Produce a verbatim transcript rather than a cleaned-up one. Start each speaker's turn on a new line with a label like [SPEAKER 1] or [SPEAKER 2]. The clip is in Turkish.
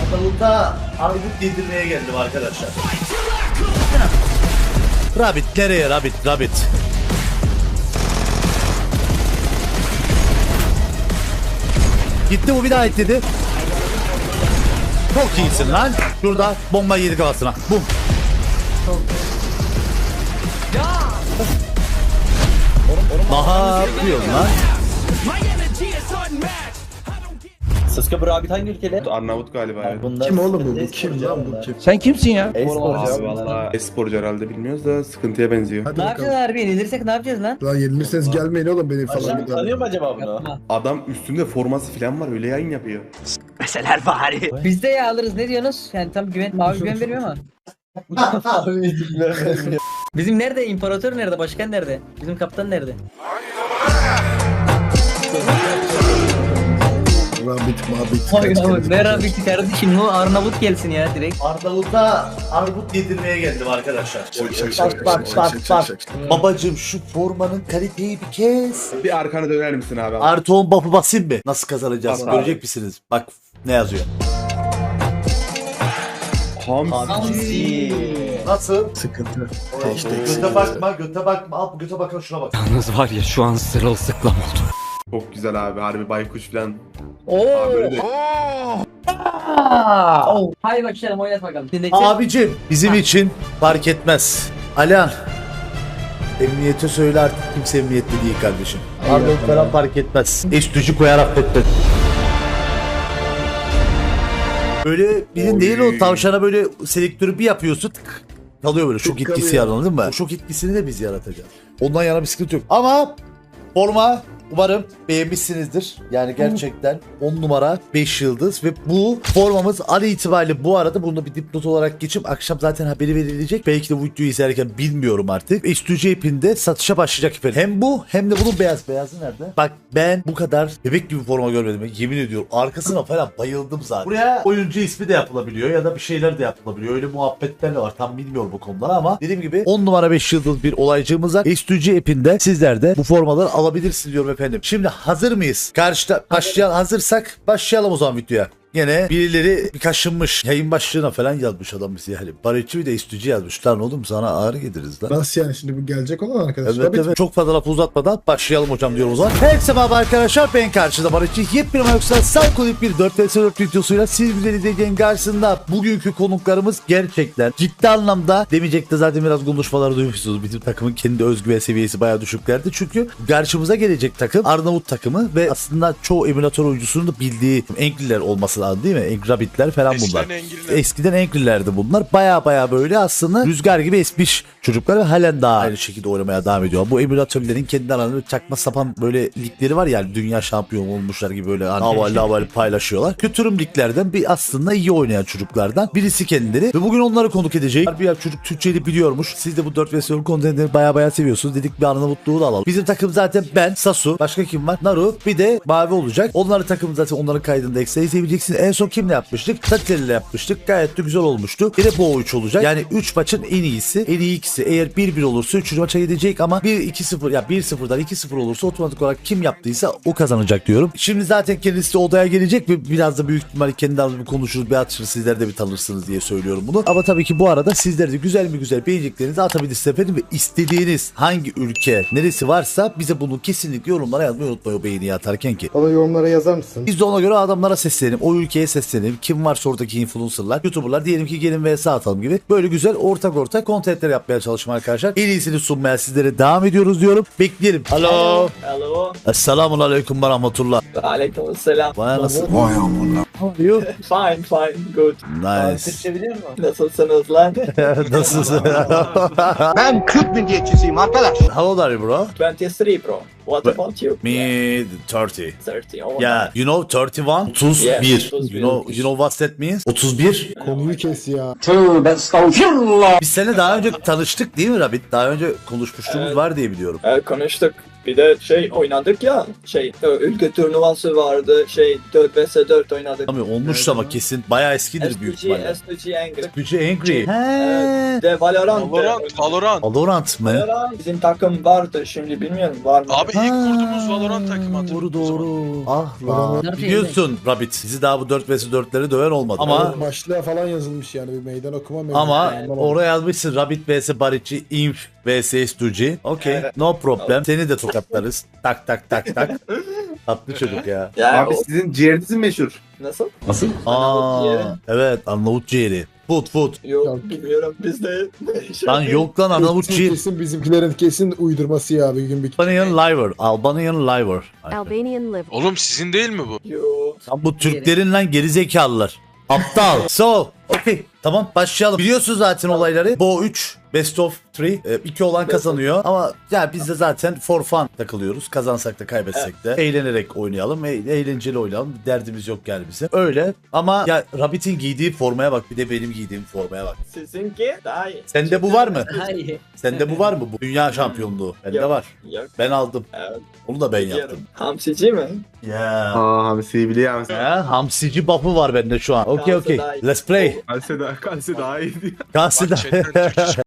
[SPEAKER 1] Arnavut'a Arnavut yedirmeye geldim arkadaşlar. Rabbit nereye Rabbit Rabbit? Gitti bu bir daha ekledi. Çok iyisin lan. Şurada bomba yedi kafasına. Bum. Daha yapıyorsun lan.
[SPEAKER 2] Sıska Brabit hangi ülkede?
[SPEAKER 3] Arnavut galiba ya.
[SPEAKER 2] Bunlar
[SPEAKER 4] Kim oğlum bu? Bu
[SPEAKER 2] sıkıntı,
[SPEAKER 4] kim
[SPEAKER 2] e-sporcu
[SPEAKER 4] lan bu
[SPEAKER 2] bunlar.
[SPEAKER 4] kim?
[SPEAKER 5] Sen kimsin ya?
[SPEAKER 2] E-sporcu
[SPEAKER 3] Abi
[SPEAKER 2] bunlar.
[SPEAKER 3] valla esporcu herhalde bilmiyoruz da sıkıntıya benziyor.
[SPEAKER 4] Hadi
[SPEAKER 6] Ne
[SPEAKER 4] bakalım.
[SPEAKER 6] yapacağız harbi? Yenilirsek ne yapacağız lan?
[SPEAKER 4] Lan yenilirseniz gelmeyin oğlum benim falan.
[SPEAKER 2] Aşağı
[SPEAKER 4] bir daha.
[SPEAKER 2] tanıyor mu acaba bunu?
[SPEAKER 3] Adam üstünde forması falan var öyle yayın yapıyor.
[SPEAKER 6] Biz de ya alırız ne diyorsunuz? Yani tam güven, mavi güven vermiyor ama. Bizim nerede? İmparator nerede? Başkan nerede? Bizim kaptan nerede?
[SPEAKER 4] Rabbit mabit.
[SPEAKER 6] Hayır
[SPEAKER 4] kaç
[SPEAKER 6] abi
[SPEAKER 4] kere-
[SPEAKER 6] ver abi ki kardeşim bu Arnavut gelsin ya direkt.
[SPEAKER 1] Arnavut'a Arnavut yedirmeye geldim arkadaşlar.
[SPEAKER 4] Şak, şak, şak,
[SPEAKER 1] Bak
[SPEAKER 4] şak,
[SPEAKER 1] bak
[SPEAKER 4] şak,
[SPEAKER 1] bak
[SPEAKER 4] şak,
[SPEAKER 1] bak.
[SPEAKER 4] şak, şak.
[SPEAKER 1] Babacım şu formanın kaliteyi bir kes.
[SPEAKER 3] Bir arkana döner misin abi?
[SPEAKER 1] Artı on buff'ı basayım mı? Nasıl kazanacağız?
[SPEAKER 3] Bas abi.
[SPEAKER 1] Görecek misiniz? Bak ne yazıyor.
[SPEAKER 3] Hamsi.
[SPEAKER 1] Nasıl?
[SPEAKER 4] Sıkıntı.
[SPEAKER 1] Göte bakma, göte bakma. Al göte bakma şuna bak.
[SPEAKER 5] Yalnız var ya şu an sırılsıklam oldu.
[SPEAKER 3] Çok güzel abi harbi baykuş falan.
[SPEAKER 6] Oo.
[SPEAKER 3] Abi öyle de-
[SPEAKER 6] Oo. Haydi başlayalım oynat bakalım. Dinleyecek.
[SPEAKER 1] Abicim bizim için fark etmez. Alihan. Emniyete söyle artık kimse emniyette değil kardeşim. Arnavut falan fark etmez. Estücü koyar affetmez. Böyle bilin değil o tavşana böyle selektörü bir yapıyorsun tık, kalıyor böyle şok
[SPEAKER 4] Tık
[SPEAKER 1] etkisi
[SPEAKER 4] kalıyor.
[SPEAKER 1] anladın mı? O şok etkisini de biz yaratacağız. Ondan yana bir sıkıntı yok. Ama forma umarım beğenmişsinizdir. Yani gerçekten on numara beş yıldız ve bu formamız an itibariyle bu arada bunu bir dipnot olarak geçip akşam zaten haberi verilecek. Belki de bu videoyu izlerken bilmiyorum artık. Estücü ipinde satışa başlayacak efendim. Hem bu hem de bunun beyaz. Beyazı nerede? Bak ben bu kadar bebek gibi forma görmedim. Yemin ediyorum. Arkasına falan bayıldım zaten. Buraya oyuncu ismi de yapılabiliyor ya da bir şeyler de yapılabiliyor. Öyle muhabbetler de var. Tam bilmiyorum bu konuları ama dediğim gibi on numara beş yıldız bir olaycığımız var. Estücü ipinde sizler de bu formaları alabilirsiniz diyorum efendim. Şimdi hazır mıyız? Karşıda başlayalım. Hazırsak başlayalım o zaman videoya. Yine birileri bir kaşınmış. Yayın başlığına falan yazmış adam bize. Yani barışçı bir de istücü yazmış. Lan oğlum sana ağrı geliriz lan.
[SPEAKER 4] Nasıl yani şimdi bu gelecek olan arkadaş?
[SPEAKER 1] Evet,
[SPEAKER 4] Rabbit
[SPEAKER 1] evet. Çok fazla lafı uzatmadan başlayalım hocam diyorum o zaman. Herkese merhaba arkadaşlar, ben karşıda Barışçı. Yepyeni yoksa Psycholik bir dört vs dört videosuyla siz güzel izleyeceğin karşısında bugünkü konuklarımız gerçekten ciddi anlamda demeyecek de zaten biraz konuşmaları duymuşsunuz. Bizim takımın kendi özgüven seviyesi bayağı düşüklerdi. Çünkü karşımıza gelecek takım Arnavut takımı ve aslında çoğu emülatör oyuncusunun da bildiği Enkliler olması lazım değil mi? Enk Rabbitler falan bunlar.
[SPEAKER 7] Eskiden
[SPEAKER 1] Eskiden Enklilerdi bunlar. Baya baya böyle aslında rüzgar gibi esmiş çocuklar ve halen daha aynı şekilde oynamaya devam ediyor. Bu emülatörlerin kendi aralarında çakma sapan böyle ligleri var ya, dünya şampiyonu olmuşlar gibi böyle hani havalı havalı paylaşıyorlar. Kötürüm liglerden bir aslında iyi oynayan çocuklardan birisi kendileri ve bugün onları konuk edecek. Bir çocuk Türkçeyi biliyormuş. Siz de bu dört vs dört kontentleri baya baya seviyorsunuz. Dedik bir Arnavutluğu da alalım. Bizim takım zaten ben, Sasu, başka kim var? Naru, bir de Mavi olacak. Onların takımı zaten onların kaydında ekstra izleyebileceksiniz. En son kimle yapmıştık? Tateli ile yapmıştık. Gayet de güzel olmuştu. Bir de bu üç olacak. Yani üç maçın en iyisi. En iyi ikisi. Eğer bir bir olursa üçüncü maça gidecek ama bir iki sıfır ya bir sıfırdan iki sıfır olursa otomatik olarak kim yaptıysa o kazanacak diyorum. Şimdi zaten kendisi de odaya gelecek ve biraz da büyük ihtimalle kendi aranızda konuşuruz, bir atışır, sizler de bir tanırsınız diye söylüyorum bunu. Ama tabii ki bu arada sizler de güzel mi güzel beğeneceklerinizi atabilirsiniz efendim ve istediğiniz hangi ülke neresi varsa bize bunu kesinlikle yorumlara yazmayı unutmayın o beğeniyi atarken ki.
[SPEAKER 4] Bana yorumlara yazar mısın?
[SPEAKER 1] Biz de ona göre adamlara seslenelim. O ülkeye seslenelim. Kim varsa oradaki influencerlar, youtuberlar diyelim ki gelin vs atalım gibi. Böyle güzel ortak ortak kontentler yapmaya çalışma arkadaşlar. En iyisini sunmaya sizlere devam ediyoruz diyorum. Bekleyelim. Alo.
[SPEAKER 2] Hello.
[SPEAKER 1] Esselamun aleyküm ve rahmetullah.
[SPEAKER 2] Aleykümselam.
[SPEAKER 1] Vay anasını. How are you?
[SPEAKER 2] Fine fine good.
[SPEAKER 1] Nice.
[SPEAKER 2] Türkçe biliyor musun? Nasılsınız lan?
[SPEAKER 1] Nasılsın?
[SPEAKER 8] Ben Kürt milliyetçisiyim arkadaş.
[SPEAKER 1] How old are you bro?
[SPEAKER 2] twenty three bro. What about you?
[SPEAKER 1] Me thirty.
[SPEAKER 2] thirty. Oh,
[SPEAKER 1] Yeah, you know thirty one? otuz bir.
[SPEAKER 2] Yes,
[SPEAKER 1] You know, you know what that means? otuz bir.
[SPEAKER 4] Konuyu kes ya.
[SPEAKER 8] Tövbe estağfurullah.
[SPEAKER 1] Biz seninle daha önce tanıştık değil mi Rabbit? Daha önce konuşmuşluğumuz
[SPEAKER 2] Evet.
[SPEAKER 1] var diye biliyorum.
[SPEAKER 2] Evet, konuştuk. Bir de şey oynadık ya, şey ö, ülke turnuvası vardı, şey dört vs dört oynadık.
[SPEAKER 1] Tabii olmuş ama kesin bayağı eskidir büyük
[SPEAKER 2] S two G,
[SPEAKER 1] ihtimalle.
[SPEAKER 2] S two G Angry.
[SPEAKER 1] Gücü Angry.
[SPEAKER 2] Evet.
[SPEAKER 1] He.
[SPEAKER 2] De Valorant.
[SPEAKER 7] Valorant, Valorant.
[SPEAKER 1] Valorant mı?
[SPEAKER 2] Valorant. Bizim takım vardı, şimdi bilmiyorum var mı?
[SPEAKER 7] Abi ilk
[SPEAKER 1] Ha,
[SPEAKER 7] kurduğumuz Valorant takımı hatırlıyorum.
[SPEAKER 1] Doğru
[SPEAKER 7] o zaman.
[SPEAKER 1] doğru. Ah lan.
[SPEAKER 4] Valorant.
[SPEAKER 1] Biliyorsun Rabbit. Bizi daha bu dört vs dörtleri döven olmadı. Ama
[SPEAKER 4] Ama başlığa falan yazılmış yani bir meydan okuma meydan.
[SPEAKER 1] ama
[SPEAKER 4] Anlamadım.
[SPEAKER 1] oraya yazmışsın Rabbit vs Baric'i, Inf vs S two G. Okey.
[SPEAKER 2] Evet.
[SPEAKER 1] No problem. Seni de tokatlarız. Tak tak tak tak. Tatlı çocuk ya.
[SPEAKER 2] Ya
[SPEAKER 3] Abi
[SPEAKER 2] o-
[SPEAKER 3] sizin ciğeriniz mi meşhur?
[SPEAKER 2] nasıl?
[SPEAKER 1] Aa,
[SPEAKER 2] ciğeri.
[SPEAKER 1] evet Arnavut ciğeri. Food food.
[SPEAKER 2] Yok,
[SPEAKER 4] Yok.
[SPEAKER 2] bilmiyorum bizde.
[SPEAKER 1] Lan yok lan Arnavut
[SPEAKER 4] Kesin,
[SPEAKER 1] ciğeri.
[SPEAKER 4] kesin bizimkilerin kesin uydurması ya bir gün bir
[SPEAKER 1] Albanian liver. Albanian liver.
[SPEAKER 9] Albanian liver.
[SPEAKER 7] Oğlum sizin değil mi bu?
[SPEAKER 2] Yok.
[SPEAKER 1] Lan bu Türklerin lan gerizekalılar. Aptal. So, okay. Tamam başlayalım. Biliyorsun zaten olayları. Bo üç, best of üç. iki olan kazanıyor. Ama ya biz de zaten for fun takılıyoruz. Kazansak da kaybetsek de. Eğlenerek oynayalım. E- eğlenceli oynayalım. Bir derdimiz yok yani bize. Öyle. Ama ya Rabbit'in giydiği formaya bak. Bir de benim giydiğim formaya bak.
[SPEAKER 2] Sizinki daha iyi.
[SPEAKER 1] Sende bu var mı?
[SPEAKER 6] Hayır.
[SPEAKER 1] Sende bu var mı? Bu dünya şampiyonluğu. Bende
[SPEAKER 2] Yok.
[SPEAKER 1] var.
[SPEAKER 2] Yok.
[SPEAKER 1] Ben aldım.
[SPEAKER 2] Evet.
[SPEAKER 1] Onu da ben
[SPEAKER 2] Biliyorum.
[SPEAKER 1] yaptım.
[SPEAKER 2] Hamsici mi?
[SPEAKER 1] Ya.
[SPEAKER 3] Aa hamsiyi biliyor musun?
[SPEAKER 1] Ya, hamsici buff'ı var bende şu an. Okey
[SPEAKER 2] Kalsa
[SPEAKER 1] okey.
[SPEAKER 2] daha iyi.
[SPEAKER 1] Let's play.
[SPEAKER 3] Kalse daha, kalse daha iyiydi.
[SPEAKER 1] Kalsın.
[SPEAKER 7] Bak chatten Türkçe